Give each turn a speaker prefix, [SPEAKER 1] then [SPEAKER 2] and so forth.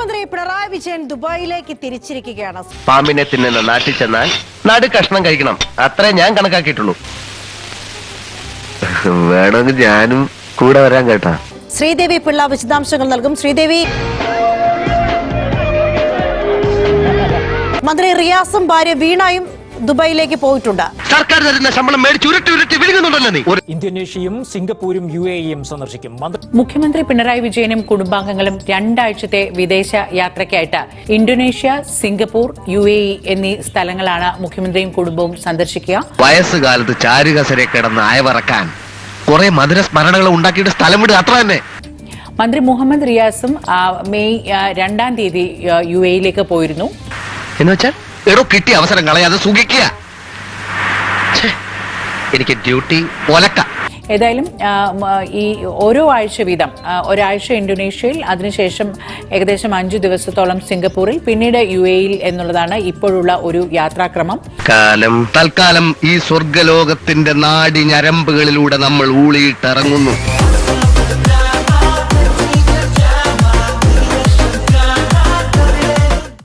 [SPEAKER 1] മുഖ്യമന്ത്രി പിണറായി വിജയൻ ദുബായിലേക്ക് തിരിച്ചിരിക്കുകയാണ്.
[SPEAKER 2] പാമ്പിനെ തിന്നുന്ന നാട്ടിൽ ചെന്നാൽ നാട് കഷ്ണം കഴിക്കണം, അത്രേ ഞാൻ കണക്കാക്കിയിട്ടുള്ളൂ. വേണമെങ്കിൽ ഞാനും കൂടെ വരാൻ കേട്ടാ.
[SPEAKER 1] ശ്രീദേവി പിള്ള വിശദാംശങ്ങൾ നൽകും. ശ്രീദേവി, മന്ത്രി റിയാസും ഭാര്യ വീണയും ദുബായിലേക്ക് പോയിട്ടുണ്ട്.
[SPEAKER 2] സർക്കാർ തരുന്ന ശമ്പളം മേടിച്ച് ഉരുട്ടി വിഴുങ്ങുന്നുണ്ടല്ലോ നീ.
[SPEAKER 3] ഇന്തോനേഷ്യയും സിംഗപ്പൂരും UAE-യും സന്ദർശിക്കും.
[SPEAKER 4] മുഖ്യമന്ത്രി പിണറായി വിജയനും കുടുംബാംഗങ്ങളും 2 ആഴ്ചത്തെ വിദേശ യാത്രയ്ക്കായിട്ട് ഇന്തോനേഷ്യ, സിംഗപ്പൂർ, UAE എന്നീ സ്ഥലങ്ങളാണ് മുഖ്യമന്ത്രിയും കുടുംബവും സന്ദർശിക്കുക.
[SPEAKER 2] വയസ്സുകാലത്ത് ചാരുകസരെ കിടന്ന് അയവറക്കാൻ കുറെ മധുര സ്മരണകൾ ഉണ്ടാക്കിയിട്ട് സ്ഥലം വിടുക, അത്ര തന്നെ.
[SPEAKER 4] മന്ത്രി മുഹമ്മദ് റിയാസും മെയ് 2-ാം തീയതി UAE-യിലേക്ക് പോയിരുന്നു.
[SPEAKER 2] എന്നുവെച്ചാൽ എടോ കിട്ടിയ അവസരം കളയാതെ സുഖിക്കുക. എനിക്ക് ഡ്യൂട്ടി ഒലക്ക.
[SPEAKER 4] ഏതായാലും ഈ ഓരോ ആഴ്ച വീതം ഒരാഴ്ച ഇന്തോനേഷ്യയിൽ, അതിനുശേഷം ഏകദേശം 5 ദിവസത്തോളം സിംഗപ്പൂരിൽ, പിന്നീട് UAE-യിൽ എന്നുള്ളതാണ് ഇപ്പോഴുള്ള ഒരു യാത്രാക്രമം.
[SPEAKER 2] തൽക്കാലം ഈ സ്വർഗലോകത്തിന്റെ നാടി ഞരമ്പുകളിലൂടെ നമ്മൾ ഊളിയിട്ടിറങ്ങുന്നു.